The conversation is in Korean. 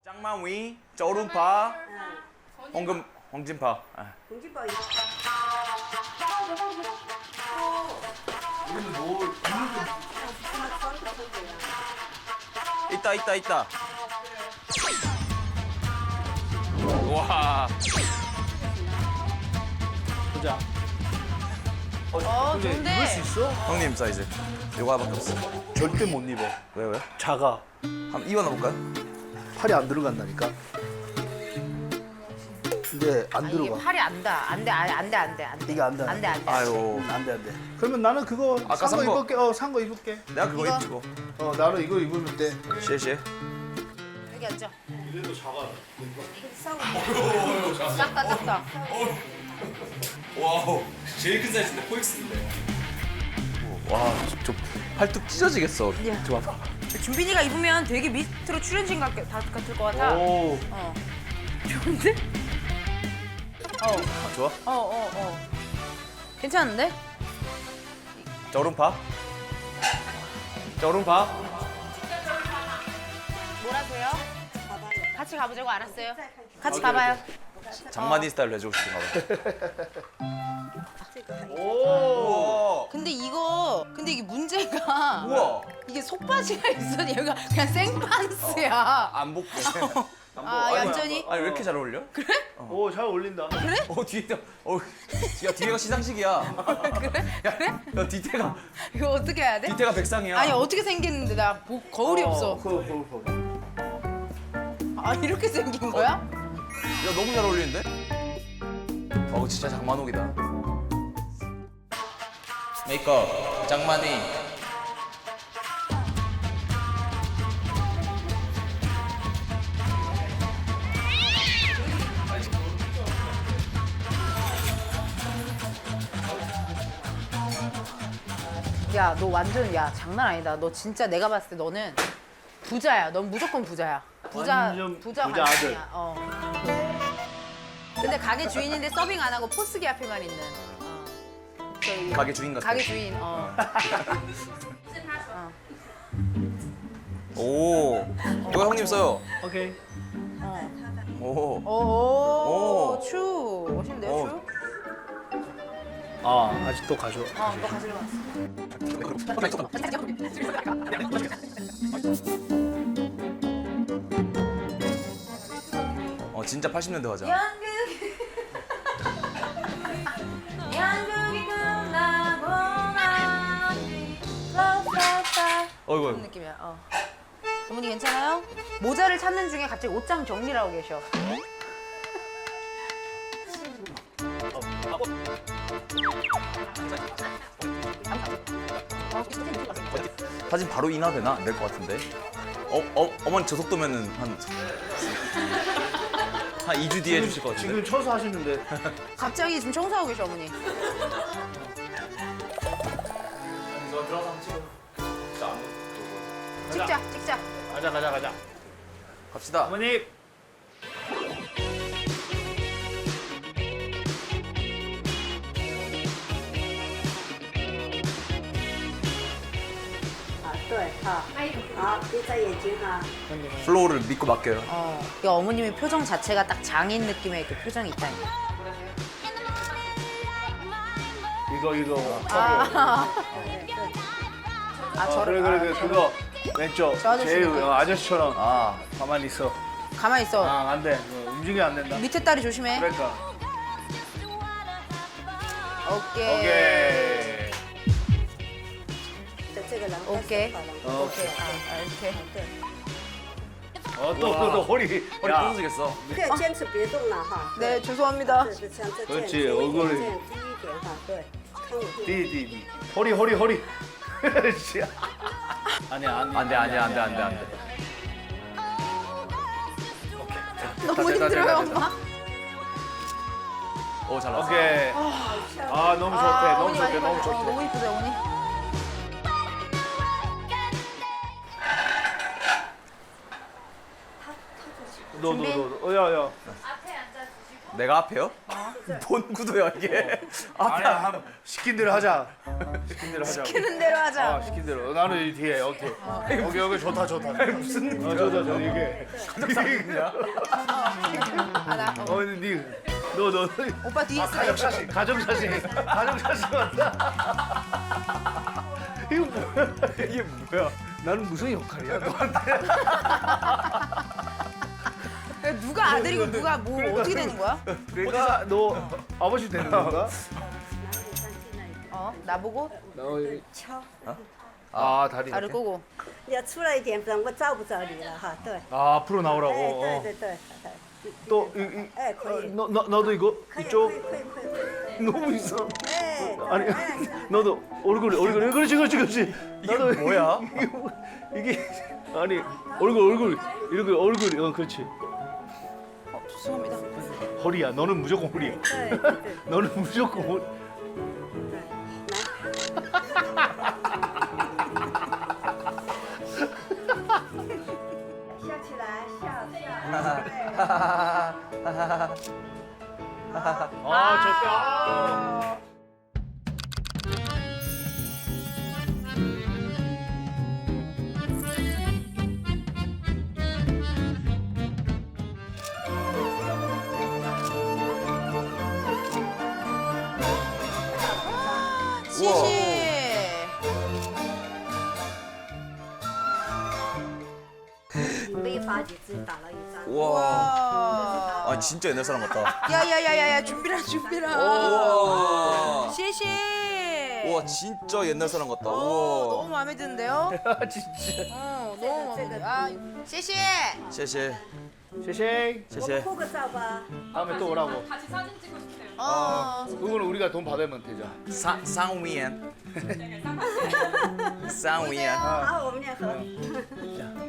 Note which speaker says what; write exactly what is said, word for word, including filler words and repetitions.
Speaker 1: 짱마위, 저rum파, 홍금, 홍진파. 아.
Speaker 2: 공지파
Speaker 3: 우리는 뭘
Speaker 1: 있다 있다 있다. 와.
Speaker 3: 보자.
Speaker 4: 어,
Speaker 3: 근데
Speaker 4: 좋은데?
Speaker 3: 입을 수 있어?
Speaker 1: 형님 사이즈. 요거 하나밖에 없어.
Speaker 3: 절대 못 입어.
Speaker 1: 왜 왜?
Speaker 3: 작아.
Speaker 1: 한번 입어나 볼까요?
Speaker 3: 팔이 안 들어간다니까. 이게 안
Speaker 4: 이게
Speaker 3: 들어가.
Speaker 4: 팔이 안 돼. 안 돼, 안 돼, 안 돼, 안 돼.
Speaker 3: 이게 안 돼.
Speaker 4: 안 돼, 안 돼.
Speaker 1: 아유.
Speaker 3: 안 돼, 안 돼. 그러면 나는 그거
Speaker 1: 아까
Speaker 3: 산 거
Speaker 1: 산 거.
Speaker 3: 입을게. 어, 산 거 입을게.
Speaker 1: 내가 그거
Speaker 4: 이거?
Speaker 1: 입고.
Speaker 3: 어, 나는 이거 입으면 돼.
Speaker 1: 시에
Speaker 4: 여기 앉아.
Speaker 3: 이래도 작아.
Speaker 4: 작다, 작다.
Speaker 1: 와우. 제일 큰 사이즈인데 포엑스인데. 와, 저, 저 팔뚝 찢어지겠어.
Speaker 4: 예.
Speaker 1: 저 봐봐.
Speaker 4: 준빈이가 입으면 되게 밑으로 출연진 같, 같을 것 같아.
Speaker 3: 오.
Speaker 4: 어. 좋은데? 어,
Speaker 1: 아, 좋아?
Speaker 4: 어, 어, 어. 괜찮은데?
Speaker 1: 저rum파. 저rum파.
Speaker 4: 뭐라세요? 같이 가보자고 알았어요. 같이 가봐요.
Speaker 1: 장마니 스타일로 해주고 싶은가 봐.
Speaker 3: 오.
Speaker 4: 근데 이거, 근데 이게 문제가
Speaker 1: 우와.
Speaker 4: 이게 속바지가 있어. 여기가 그냥 생판스야.
Speaker 1: 안 복고.
Speaker 4: 아, 얌전히?
Speaker 1: 아니 왜 이렇게 잘 어울려?
Speaker 3: 오, 잘 어울린다.
Speaker 1: 어 뒤에 어, 야 뒤에가 시상식이야.
Speaker 4: 그래?
Speaker 1: 야, 야 뒤태가
Speaker 4: 이거 어떻게 해야 돼?
Speaker 1: 뒤태가 백상이야.
Speaker 4: 아니 어떻게 생겼는데 나 뭐, 거울이 없어.
Speaker 3: 그거, 그거, 그거.
Speaker 4: 아 이렇게 생긴 거야?
Speaker 1: 야 너무 잘 어울리는데? 어 진짜 장만옥이다. 메이크업 장만이.
Speaker 4: 야 너 완전 야 장난 아니다. 너 진짜 내가 봤을 때 너는 부자야. 넌 무조건 부자야. 부자
Speaker 3: 완전
Speaker 4: 부자
Speaker 3: 부자
Speaker 4: 관심이야. 어. 근데 가게 주인인데 서빙 안 하고 포스기 앞에만 있는. 어. 저기
Speaker 1: 가게 주인 같아.
Speaker 4: 가게 주인. 어.
Speaker 1: 오 이거 형님 써요.
Speaker 3: 오케이.
Speaker 1: 오.
Speaker 4: 오.
Speaker 1: 오.
Speaker 4: 추. 멋있는데요,
Speaker 1: 오.
Speaker 4: 추?
Speaker 3: 아, 아직도 가져.
Speaker 4: 어, 너 가지러 왔어.
Speaker 1: 어 진짜 팔십 년대 화자.
Speaker 4: 연극이 연극이 끝나고 나니 라라라
Speaker 1: 어이구
Speaker 4: 그런
Speaker 1: 어이구.
Speaker 4: 느낌이야. 어. 어머니 괜찮아요? 모자를 찾는 중에 갑자기 옷장 정리를 하고 계셔.
Speaker 1: 사진 바로 인화되나? 안 될 것 같은데. 어, 어, 어머니 저 속도면은 한, 한 이 주 뒤에 해주실 것 같은데.
Speaker 3: 지금 쳐서 하시는데.
Speaker 4: 갑자기 지금 청소하고 계셔 어머니.
Speaker 1: 저 들어가서 한번 찍어.
Speaker 4: 찍자 찍자.
Speaker 3: 가자, 가자, 가자.
Speaker 1: 갑시다.
Speaker 3: 어머니.
Speaker 2: 啊，对，好，好，闭着眼睛哈。
Speaker 1: 플로우를 믿고 맡겨요.
Speaker 4: 어. 이 어머님의 표정 자체가 딱 장인 느낌의 그 표정이 있다니까.
Speaker 3: 이거, 이거.
Speaker 4: 아, 아
Speaker 3: 어,
Speaker 4: 저를
Speaker 3: 그래, 그래, 그래. 그거. 왼쪽.
Speaker 4: 저 아저씨
Speaker 3: 제일
Speaker 4: 느낌.
Speaker 3: 어, 아저씨처럼.
Speaker 1: 아,
Speaker 3: 가만히 있어.
Speaker 4: 가만히 있어.
Speaker 3: 아, 안 돼. 어, 움직이면 안 된다.
Speaker 4: 밑에 다리 조심해.
Speaker 3: 그러니까.
Speaker 4: 오케이.
Speaker 3: 오케이.
Speaker 2: 的这个然后
Speaker 4: 오케이.
Speaker 2: 好了。
Speaker 3: 어,
Speaker 4: 오케이. 아, 아, 이렇게.
Speaker 2: 对，
Speaker 3: 어, 또, 또, 또, 허리.
Speaker 1: 허리
Speaker 3: 야.
Speaker 1: 부서지겠어.
Speaker 2: 这个坚持别动了哈。
Speaker 4: 네, 죄송합니다.
Speaker 2: 对，是像这这样
Speaker 3: 그렇지
Speaker 2: 低一点，
Speaker 3: 얼굴이
Speaker 2: 这样低一点哈。对，看我这
Speaker 3: 디, 디, 디. 허리, 허리, 허리. 씨. 아니야, 아니야.
Speaker 1: 안 돼, 안 돼, 안 돼, 안 돼, 안 돼.
Speaker 4: 너무
Speaker 3: 됐다,
Speaker 4: 힘들어요,
Speaker 3: 됐다, 됐다.
Speaker 4: 엄마.
Speaker 1: 오, 잘 나왔어.
Speaker 3: 오케이. 아, 너무 좋대.
Speaker 4: 아,
Speaker 3: 너무
Speaker 4: 어머니 많이
Speaker 3: 좋대. 너무
Speaker 4: 받아. 어,
Speaker 3: 좋대.
Speaker 4: 너무 이쁘다, 어머니.
Speaker 3: 너, 너, 너. 어, 야, 야.
Speaker 4: 앞에 앉아주시고
Speaker 1: 내가 앞에요? 뭔 구도야 이게? 앞에
Speaker 3: 아니야 한번 시킨 대로 하자. 시킨 대로 하자.
Speaker 4: 시키는 대로 하자.
Speaker 3: 아 시킨 대로. 나는 이 뒤에 오케이. 여기 여기 좋다 좋다. 무슨 어, 좋다 좋다 이게.
Speaker 4: 아, 나, 어.
Speaker 3: 어 니. 너 너.
Speaker 4: 오빠 뒤에 있어.
Speaker 3: 가족 사진. 가족 사진. 가족 사진 왔다. 이거 뭐야? 이게 뭐야? 나는 무슨 역할이야 너한테?
Speaker 4: 누가 아들이고 누가 뭐 어떻게 되는 거야?
Speaker 3: 내가 너 아버지 되는 건가?
Speaker 2: 哪里上去那里？
Speaker 4: 어 나보고
Speaker 2: 敲，
Speaker 3: 아 다리.
Speaker 4: 나를 꼬고.
Speaker 2: 你要出来一点，不然我找不着你了哈。对，
Speaker 3: 아 앞으로
Speaker 2: 哎，
Speaker 3: 나오라고.
Speaker 2: 对
Speaker 3: 어.
Speaker 2: 对对，对
Speaker 3: 또 이, 이,
Speaker 2: 哎，可以，
Speaker 3: 너, 너 나도 이거
Speaker 2: 可以，可
Speaker 3: 이쪽
Speaker 2: 以，可以，可以，可以。
Speaker 3: 너무 있어.
Speaker 2: 哎，
Speaker 3: 아니
Speaker 2: 对哎
Speaker 3: 너도 얼굴이 얼굴이 그렇지 그렇지 그렇지.
Speaker 1: 이게 뭐야?
Speaker 3: 이게, 뭐- 이게 아니 얼굴 얼굴 이렇게 얼굴 어 그렇지.
Speaker 4: 어 죄송합니다.
Speaker 3: 허리야 너는 무조건 허리야.
Speaker 2: 对对对
Speaker 3: 너는 무조건 허리.
Speaker 2: 对，来。笑起来，笑笑。对
Speaker 3: 아 좋다.
Speaker 4: 시시.
Speaker 2: 没发觉自己打了一仗。
Speaker 1: 우와.
Speaker 4: 와.
Speaker 1: 아 진짜 옛날 사람 같다.
Speaker 4: 야야야야야 준비라 준비라.
Speaker 1: 우와.
Speaker 4: 시시.
Speaker 1: 우와 진짜 옛날 사람 같다.
Speaker 4: 어, 너무
Speaker 1: 우와.
Speaker 4: 마음에 드는데요?
Speaker 3: 아 진짜.
Speaker 4: 어 너무 마음에 들어. 아 시시.
Speaker 1: 셰셰.
Speaker 3: 쉐쉐.
Speaker 2: 我们
Speaker 1: 셰셰.
Speaker 2: 拍个照吧。
Speaker 3: 다음에 또 오라고.
Speaker 4: 어.
Speaker 3: 그거는 우리가 돈 받으면 되죠.
Speaker 1: 상 상위엔. 상위엔.
Speaker 2: 好，我们俩喝。